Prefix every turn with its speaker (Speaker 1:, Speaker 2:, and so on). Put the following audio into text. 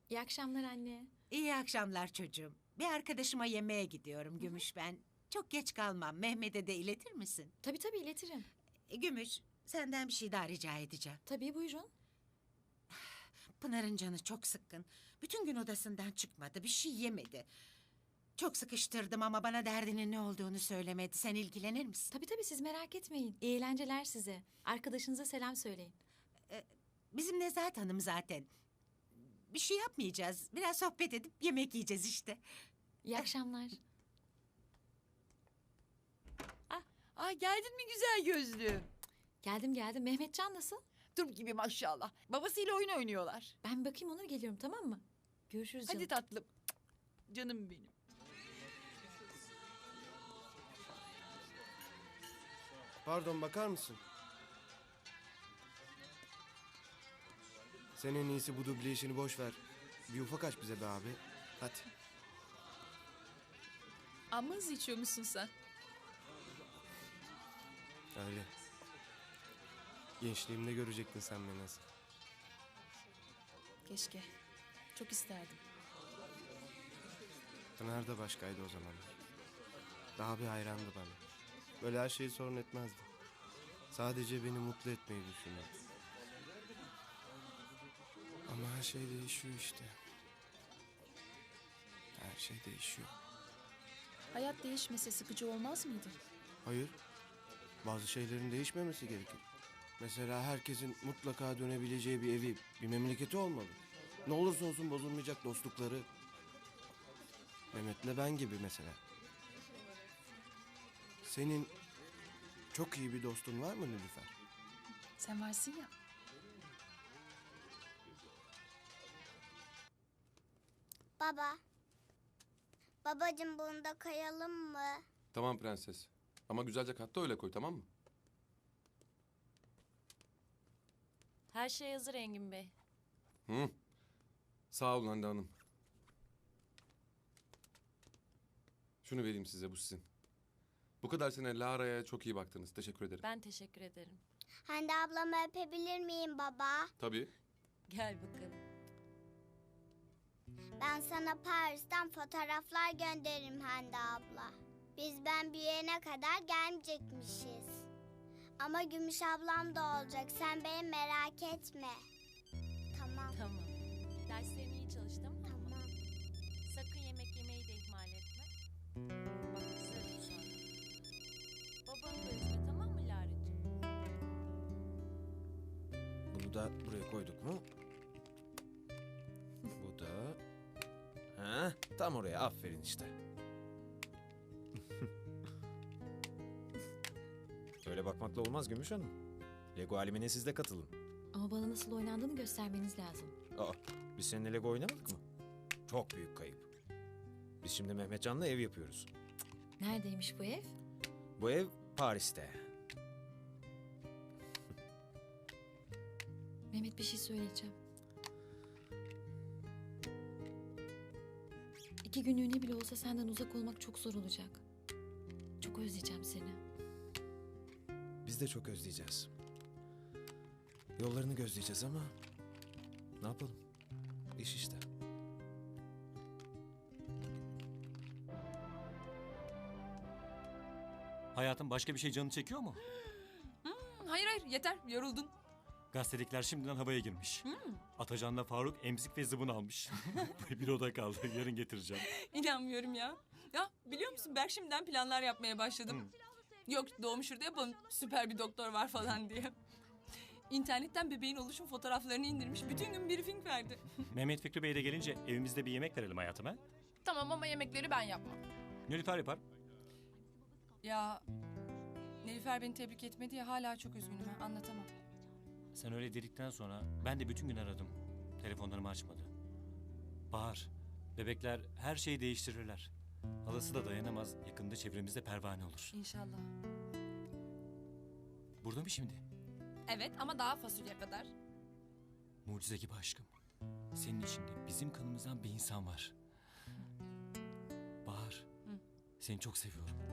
Speaker 1: İyi akşamlar anne.
Speaker 2: İyi akşamlar çocuğum. Bir arkadaşıma yemeğe gidiyorum Gümüş ben. Çok geç kalmam. Mehmet'e de iletir misin?
Speaker 1: Tabii iletirim.
Speaker 2: Gümüş, senden bir şey daha rica edeceğim.
Speaker 1: Tabii buyurun.
Speaker 2: Pınar'ın canı çok sıkkın. Bütün gün odasından çıkmadı, bir şey yemedi. Çok sıkıştırdım ama bana derdinin ne olduğunu söylemedi. Sen ilgilenir misin?
Speaker 1: Tabii siz merak etmeyin. İyi eğlenceler size. Arkadaşınıza selam söyleyin.
Speaker 2: Bizim Nezahat Hanım zaten. Bir şey yapmayacağız. Biraz sohbet edip yemek yiyeceğiz işte.
Speaker 1: İyi akşamlar.
Speaker 3: Ay geldin mi güzel gözlüm?
Speaker 1: Geldim. Mehmetcan nasıl?
Speaker 3: Turp gibi maşallah. Babasıyla oyun oynuyorlar.
Speaker 1: Ben bir bakayım Onur geliyorum tamam mı? Görüşürüz canım.
Speaker 3: Hadi tatlım. Canım benim.
Speaker 4: Pardon, bakar mısın? Sen en iyisi bu duble işini boş ver. Bir ufak aç bize be abi. Hadi.
Speaker 3: Amma hızlı içiyormuşsun sen.
Speaker 4: Öyle. Gençliğimde görecektin sen beni nasıl.
Speaker 3: Keşke. Çok isterdim.
Speaker 4: Pınar da başkaydı o zaman. Daha bir hayrandı bana. Böyle her şeyi sorun etmezdi. Sadece beni mutlu etmeyi düşünüyordu. Ama her şey değişiyor işte. Her şey değişiyor.
Speaker 3: Hayat değişmese sıkıcı olmaz mıydı?
Speaker 4: Hayır. Bazı şeylerin değişmemesi gerekir. Mesela herkesin mutlaka dönebileceği bir evi, bir memleketi olmalı. Ne olursa olsun bozulmayacak dostlukları. Mehmet'le ben gibi mesela. Senin çok iyi bir dostun var mı Nilüfer?
Speaker 3: Sen varsın ya.
Speaker 5: Baba. Babacığım bunu da kayalım mı?
Speaker 6: Tamam prenses. Ama güzelce katta öyle koy, tamam mı?
Speaker 7: Her şey hazır Engin Bey.
Speaker 6: Hı. Sağ olun Hande Hanım. Şunu vereyim size, bu sizin. Bu kadar sene Lara'ya çok iyi baktınız. Teşekkür ederim.
Speaker 7: Ben teşekkür ederim.
Speaker 5: Hande ablamı öpebilir miyim baba?
Speaker 6: Tabii.
Speaker 7: Gel bakalım.
Speaker 5: Ben sana Paris'ten fotoğraflar gönderirim Hande abla. Ben büyüyene kadar gelmeyecekmişiz. Ama Gümüş ablam da olacak. Sen beni merak etme. Tamam.
Speaker 7: Tamam. Derslerini iyi çalış tamam mı?
Speaker 5: Tamam.
Speaker 7: Sakın yemek yemeyi de ihmal etme. Bak kızarım sonra. Babanı da üzme tamam mı Lara'cığım?
Speaker 8: Bunu da buraya koyduk mu? Bu da... Ha, tam oraya, aferin işte. Öyle bakmakla olmaz Gümüş Hanım. Lego alemine siz de katılın.
Speaker 1: Ama bana nasıl oynandığını göstermeniz lazım.
Speaker 8: Aa, biz seninle Lego oynamadık mı? Çok büyük kayıp. Biz şimdi Mehmetcan'la ev yapıyoruz.
Speaker 1: Neredeymiş bu ev?
Speaker 8: Bu ev Paris'te.
Speaker 1: Mehmet bir şey söyleyeceğim. 2 günlüğüne bile olsa senden uzak olmak çok zor olacak. Çok özleyeceğim seni.
Speaker 8: Biz de çok özleyeceğiz. Yollarını gözleyeceğiz ama... Ne yapalım? İş işte.
Speaker 9: Hayatım başka bir şey canını çekiyor mu?
Speaker 3: Hayır yeter yoruldun.
Speaker 9: Gazetedekiler şimdiden havaya girmiş. Atacan'la Faruk emzik ve zıbın almış. Bir oda kaldı. Yarın getireceğim.
Speaker 3: İnanmıyorum ya. Ya biliyor musun Berk şimdiden planlar yapmaya başladım. Yok doğum şurada yapalım süper bir doktor var falan diye. İnternetten bebeğin oluşum fotoğraflarını indirmiş. Bütün gün briefing verdi.
Speaker 9: Mehmet Fikri Bey de gelince evimizde bir yemek verelim hayatım ha.
Speaker 3: Tamam ama yemekleri ben yapmam.
Speaker 9: Nilüfer yapar.
Speaker 3: Ya Nilüfer beni tebrik etmedi ya hala çok üzgünüm ha anlatamam.
Speaker 9: Sen öyle dedikten sonra ben de bütün gün aradım. Telefonlarımı açmadı. Bahar, bebekler her şeyi değiştirirler. Halası da dayanamaz. Yakında çevremizde pervane olur.
Speaker 3: İnşallah.
Speaker 9: Burada mı şimdi?
Speaker 3: Evet ama daha fasulye kadar.
Speaker 9: Mucize gibi aşkım. Senin içinde bizim kanımızdan bir insan var. Bahar, seni çok seviyorum.